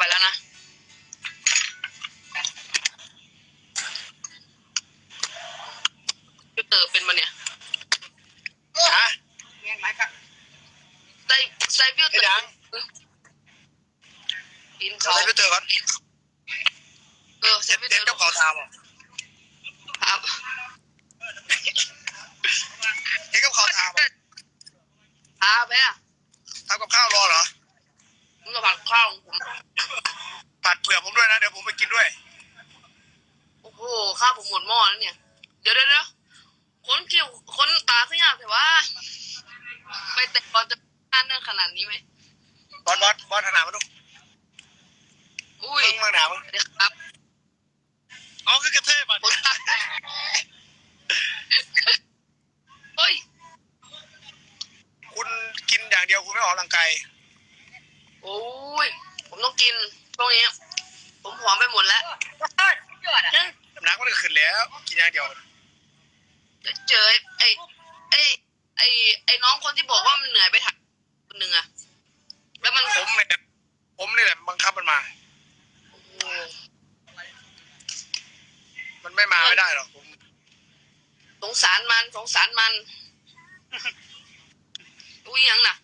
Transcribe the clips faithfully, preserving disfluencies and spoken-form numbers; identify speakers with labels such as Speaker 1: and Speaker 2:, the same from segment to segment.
Speaker 1: แล้วนะฟิลเตอร์เป็นมาเนี่ย
Speaker 2: ฮะ
Speaker 1: ใส่ใส่ฟิลเตอร์กินเขา
Speaker 2: ใส่ฟิลเตอร์ก่อน
Speaker 1: เออใส่ฟิลเตอร์
Speaker 2: เจ้าเขาทำอ่ะ
Speaker 1: ครับ
Speaker 2: เจ้าเขาทำอ่ะ
Speaker 1: ทาไปอ่ะ
Speaker 2: ทำกับข้าวรอเหรอ
Speaker 1: ผมจะผัดข้าวของผม
Speaker 2: ผัดเผื่อผมด้วยนะเดี๋ยวผมไปกินด้วย
Speaker 1: โอ้โหข้าวผมหมดหม้อแล้วเนี่ยเดี๋ยวเดี๋ยวเดี๋ยวคนคิวคนตาขึ้นยากแต่ว่าไปแต่ก่อนจะงานเรื่องขนาดนี้ไหม
Speaker 2: บอลบอลบอลถนัดมาดู
Speaker 1: อุ้ย
Speaker 2: มึงมาหนามึง
Speaker 1: เดี๋ยวครับ
Speaker 2: อ๋อคือกระเทยบัด
Speaker 1: คนตาเฮ้ย
Speaker 2: คุณกินอย่างเดียวคุณไม่ออกกำลังกาย
Speaker 1: โอ้ยผมต้องกินตรงนี้ผมผอมไปหมดแล้ว
Speaker 2: น้ำก็เลยขึ้นแล้วกินอย่างเดียว
Speaker 1: เจอไอ้ไอ้ไอ้ไอ้น้องคนที่บอกว่ามันเหนื่อยไปถักคนหนึ่งอะแล้วมัน
Speaker 2: ผมเนี่ยผมนี่แหละบังคับมันมามันไม่มาไม่ได้หรอกผม
Speaker 1: สงสารมันสงสารมันอุ้ยยังน่ะ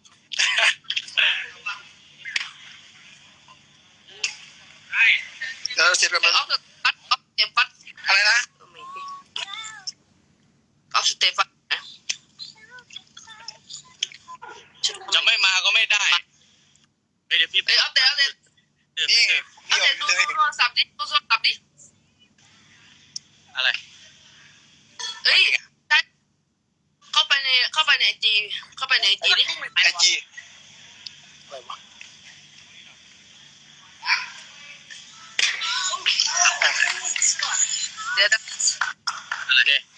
Speaker 2: เดี๋ยวเสร็จแล้วมัน
Speaker 1: ออฟปัดออฟเตปัด
Speaker 2: อะไรนะ
Speaker 1: ออฟสเตปัด
Speaker 3: จะไม่มาก็ไม่ได้เดี๋ยวพี่
Speaker 1: เอ้ยออฟเตออฟเต
Speaker 2: นี่
Speaker 1: ออฟเตดูโทรศัพท์ดิดูโทรศัพท์ดิ
Speaker 3: อะไร
Speaker 1: เอ้ยเข้าไปในเข้าไปในไอจีเข้าไปในไอจีดิ
Speaker 2: ไอจีอะไรวะ
Speaker 1: เดี๋ยว
Speaker 3: อะไรเดี๋ยว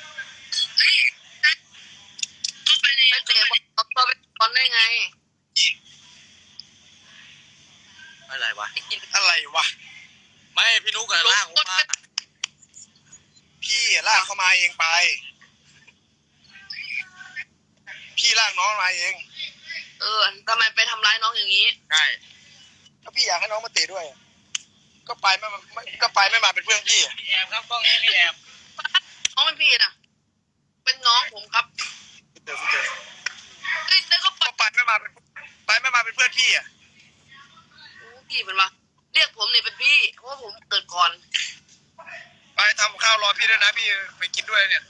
Speaker 1: เข้าไปในไปเตะบอลเข้าไปบอลได้ไง
Speaker 3: อะไรวะ
Speaker 2: อะไรวะ
Speaker 3: ไม่พี่นุ๊กกับลากมา
Speaker 2: พี่ลากเข้ามาเองไปพี่ลากน้องมาเอง
Speaker 1: เออทำไมไปทำร้ายน้องอย่างนี้
Speaker 3: ใช่
Speaker 2: ถ้าพี่อยากให้น้องมาเตะด้วยก็ไปไม่ไม่ก็ไปไม่มาเป็นเพื่อนพี่
Speaker 3: แอบครับกล้องนี้พี่แอบ
Speaker 1: น้องเป็นพี่นะเป็นน้องผมครับ
Speaker 2: เจอเจอ
Speaker 1: เฮ้ยแล้วก็ไป
Speaker 2: ไปไม่มาเป็นไปไม่มาเป็นเพื่อนพี่อ่ะ
Speaker 1: พี่เป็นวะเรียกผมเนี่ยเป็นพี่เพราะว่าผมเกิดก่อน
Speaker 2: ไปทำข้าวรอพี่ด้วยนะพี่ไปกินด้วยเนี่ย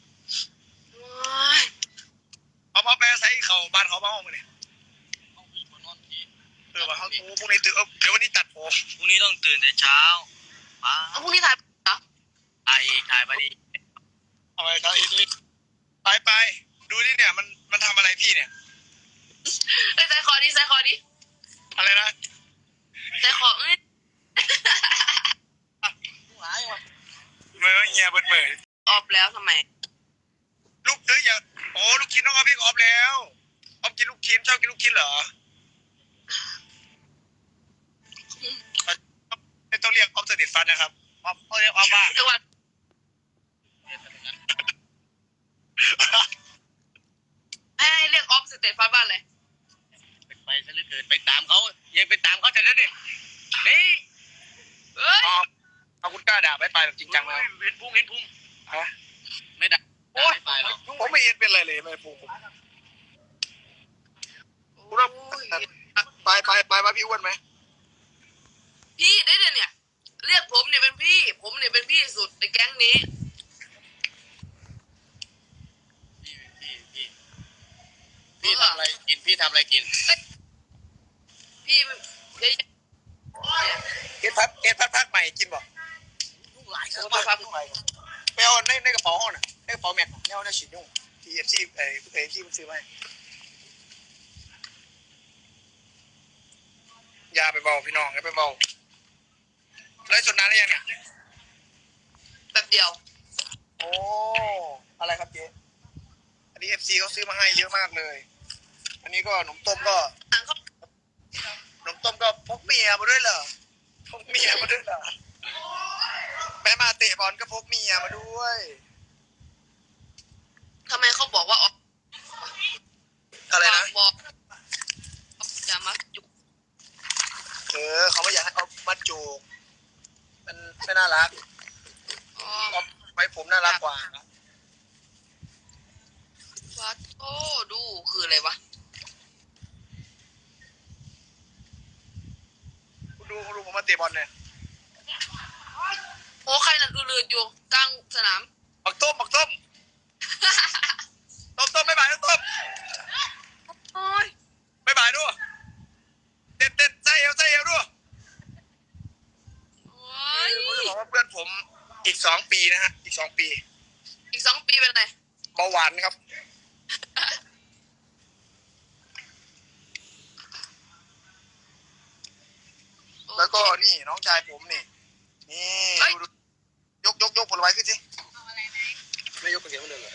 Speaker 2: เอาพอไปใส่เขาบ้านเขาบ้านห้องมาเนี่ยเออว่าเขาพรุ่งนี้ตื่นเดี๋ยววันนี้ตัดผม
Speaker 3: พรุ่งนี้ต้องตื่นแต่เช้า
Speaker 1: ป้าพรุ่งนี้ถ่ายเหรอ
Speaker 3: ถ่ายถ่ายไปดิ
Speaker 2: ทำไมครับไปไปดูนี่เนี่ยมันมันทำอะไรพี่เนี่ย
Speaker 1: ไอ้ใส่คอดิใส่คอดิ
Speaker 2: อะไรนะ
Speaker 1: ใส่คอเอ้ย
Speaker 2: เมื่อเงียบเบิดเบิด
Speaker 1: ออฟแล้วทำไม
Speaker 2: ลูกเอ้ยอย่าโอ้ลูกชิ้นน้องออฟพี่ออฟแล้วออฟกินลูกชิ้นชอบกินลูกชิ้นเหรอไม่ต้องเรียกออฟสนิทฟันนะครับออฟเขาเรียกออฟว่า
Speaker 1: เรียกว่าให้เรียกออฟสเตฟันบ้านเลย
Speaker 3: ไปซะเหลือเกินไปตามเขายังไปตามเขาแต่นั้นดินี่
Speaker 1: เฮ้ย
Speaker 2: เอาคุณกล้าด่าไม่ไปแบบจริงจังแล้ว
Speaker 3: เห็นพุ่งเห็นพุ่ง
Speaker 2: ฮะ
Speaker 3: ไม่ด่า
Speaker 2: โอ้ยผมไม่เห็นเป็นไรเลยไม่พุ่งคุณไปไปไปมาพี่อ้วนไหม
Speaker 1: พี่ได้เนี่ยเรียกผมเนี่ยเป็นพี่ผมเนี่ยเป็นพี่สุดในแก๊งนี้
Speaker 3: พี่พี่พี่พี่ทำอะไรกินพี่ทำอะไรกิน
Speaker 1: พี่เดี๋ยว
Speaker 2: เก็บพัดเก็บพัดพัดใหม่กินบ่
Speaker 1: หลายครั้ง
Speaker 2: พัดใหม่ไปเอาในในกระเป๋าห้องน่ะในกระเป๋าแม็กเนี่ยเอาในชิ้นยุ่งที่เอฟซีเอเอฟซีมันซื้อมาอย่าไปเบาพี่น้องอย่าไปเบาไล่สดน้ำได้ยังเนี่ย
Speaker 1: แป๊บเดียว
Speaker 2: โอ้อะไรครับเจ๊อันนี้เอฟซีเขาซื้อมาให้เยอะมากเลยอันนี้ก็ขนมต้มก็ขนมต้มก็พกเมียมาด้วยเหรอพกเมียมาด้วยเหรอแม่มาเตะบอลก็พกเมียมาด้วย
Speaker 1: ทำไมเขาบอกว่า
Speaker 2: อะไรนะ
Speaker 1: บอกอย่ามาจุก
Speaker 2: เออเขาไม่อยากให้เอามัดจูกมันไม่น่ารัก
Speaker 1: อ๋อ
Speaker 2: เอาไว้ผมน่ารักกว่า
Speaker 1: วัดโอ้ดูคืออะไรวะ
Speaker 2: คุณดูคุณดูผมมาเตะบอลเนี่ย
Speaker 1: โอ้ใครนั่นอือๆอยู่กลางสนาม
Speaker 2: บักต้มบักต้มต้มต้มไม่บายต้มต้ม
Speaker 1: โอ้ย
Speaker 2: ไม่บายด้วยเด็ดเด็ดใส่เอวใส่เอวด้วย
Speaker 1: โอ้ย
Speaker 2: ผมจะบอกว่าเพื่อนผมอีกสองปีนะฮะอีกสองปี
Speaker 1: อีกสองปีเป็นไร
Speaker 2: เบาหวานครับแล้วก็นี่น้องชายผมนี่นี่ดูยกยกยกผลไม้ขึ้นสิไม่ยกกระเทียมเลยเหรอ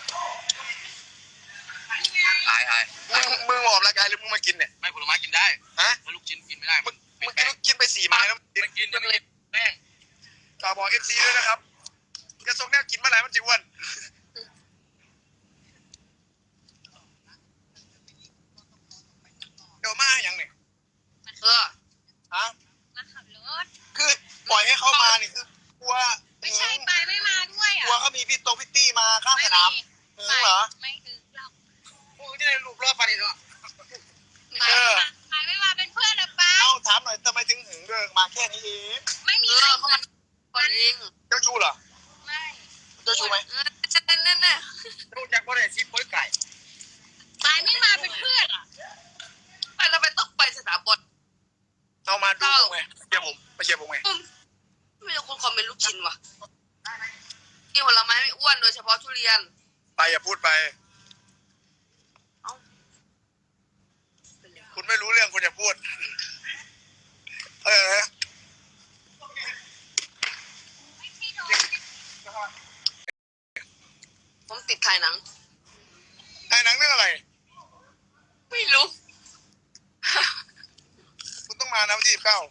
Speaker 3: อายอาย
Speaker 2: มึงมึงมาออกรายการหรือมึงมากินเนี่ย
Speaker 3: ไม่ผลไม้กินได้
Speaker 2: ฮะ
Speaker 3: แล้วลูกชิ้นกินไม่ได้
Speaker 2: มึง
Speaker 3: เป็
Speaker 2: มึ
Speaker 3: น
Speaker 2: ง
Speaker 3: แป้ง
Speaker 2: กินไปสี่ไม้แล้ว
Speaker 3: มันกินจะไม่กินแป้ง
Speaker 2: ฝากบอกเอฟซีด้วยนะครับจะส่งแนวกินเมื่อไหร่มันจะอ้วนเดี๋ยวมาอย่างเนี่ย
Speaker 1: เออ
Speaker 2: ฮะ
Speaker 4: มาขับรถ
Speaker 2: คือปล่อยให้เขามานี่คือกลัว
Speaker 4: ไม่ใช่ไปไม่มาด้วย
Speaker 2: ก
Speaker 4: อ่ะ
Speaker 2: ลัวเขามีพี่ตรงพี่ตี้มาข้างสนามถึงเหรอ
Speaker 4: ไม่ถึงหรอก
Speaker 3: พวกที่ได้รูปรอบฟันอีกแล้ว
Speaker 4: ไปไม่มาไปไม่มาเป็นเพื่อนหรือเปล่า
Speaker 2: เอ้าถามหน่อยทำไมถึงหึงเรื่องมาแค่นี้เอง
Speaker 4: ไม่มี
Speaker 1: เอ
Speaker 4: ใคร
Speaker 1: อเขามาคนเอง
Speaker 2: เจ้าชู้เหรอ
Speaker 4: ไม่
Speaker 2: เจ้าชู้ไหม
Speaker 1: เออใช่แน่แน่
Speaker 3: รู้จักว่าได้ซีโป้ยไก่
Speaker 4: ไปไม่มาเป็นเพื่อนอ่ะ
Speaker 1: ไปเราไปต้องไปสนามบอล
Speaker 2: เอามาดูผมไงเชียร์ผมไปเชียร์ผมไง
Speaker 1: ไม่มีคนคอมเมนต์ลูกชิ้นว่ะกินผลไม้ไม่อ้วนโดยเฉพาะทุเรียน
Speaker 2: ไปอย่าพูดไป
Speaker 1: เอ้า
Speaker 2: คุณไม่รู้เรื่องคุณอย่าพูดเออ
Speaker 1: ผมติดถ่ายหนัง
Speaker 2: ไอ้หนังเรื่องอะไร
Speaker 1: ไม่รู้
Speaker 2: คุณต้องมานะวันที่สิบเก้า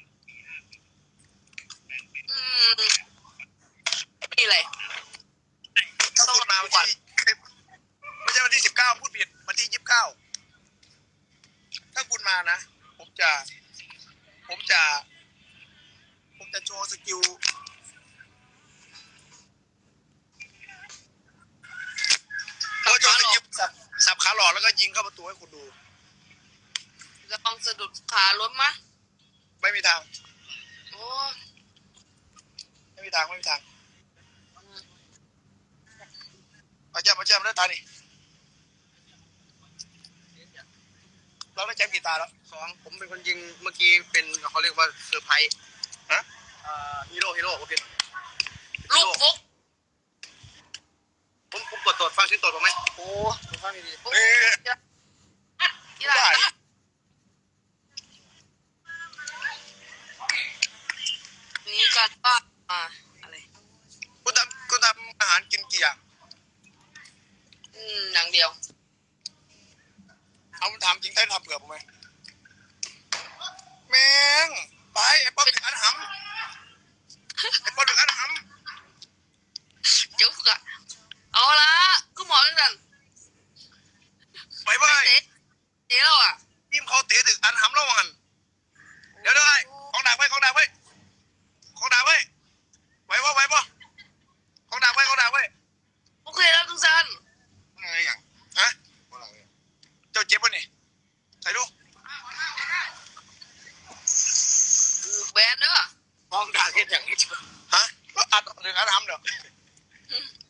Speaker 1: อืมมีอะไร
Speaker 2: ถ้าคุณมาวันที่ไม่ใช่วันที่สิบเก้าพูดผิดวันที่ยี่สิบเก้าถ้าคุณมานะผมจะ ผมจะ ผมจะโชว์สกิลผมจะโชว์สกิลสับสับขาหลอกแล้วก็ยิงเข้าประตูให้คุณดู
Speaker 1: จะต้องสะดุดขาล้มมะ
Speaker 2: ไม่มีทาง
Speaker 1: โอ้
Speaker 2: ไม่มีทางไม่มีทางเอาแจ้มเอาแจ้มได้ตานี่เราได้แจ้มกี่ตาแล้ว
Speaker 3: สองผมเป็นคนยิงเมื่อกี้เป็นเขาเรียกว่าเซอร์ไพรส์
Speaker 2: ฮะ
Speaker 3: อ่าฮีโร่ฮีโร่โอเค
Speaker 1: ลูกฟุก
Speaker 3: ผมผมกดตรวจฟังชิ้นตรวจผมไหม
Speaker 2: โอ้
Speaker 3: ผมฟังดี
Speaker 1: ฟุก
Speaker 2: เอ๊ะ
Speaker 1: ที่ไหน
Speaker 2: ได้
Speaker 1: นี้กันว่าอ่าอะไร
Speaker 2: คุณทำคุณทำอาหารกินกี่อย่าง
Speaker 1: อืมอย่างเดียว
Speaker 2: เอาถามจริงได้ทำเผื่อผมไหมแมงไปไอ้ป๊อปดึกอันหำไอ้ป๊อปดึกอันห
Speaker 1: เจ้าค่ะเอาละก็หมอนั่นกัน
Speaker 2: ำไปไป
Speaker 1: เตะเตะแล้วอ่ะ
Speaker 2: ทีมเขาเตะดึกอันหำแล้วมันเดี๋ยวเดี๋ยวไอ้ของดักไว้ของดักไว้ของดักไว้ไหวปะไหวปะของดักไว้ของดักไว้
Speaker 1: โอเคแล้วทุกท่าน
Speaker 3: อะไรอย่าง
Speaker 2: ฮะเจ้าเจ็บปะนี่ใส่ดู
Speaker 1: คือแบนเด้อ
Speaker 3: มองด่าเห็นอย่างนี้
Speaker 2: ฮะก็อัดดึกอันหำเดี๋ยว
Speaker 1: อืม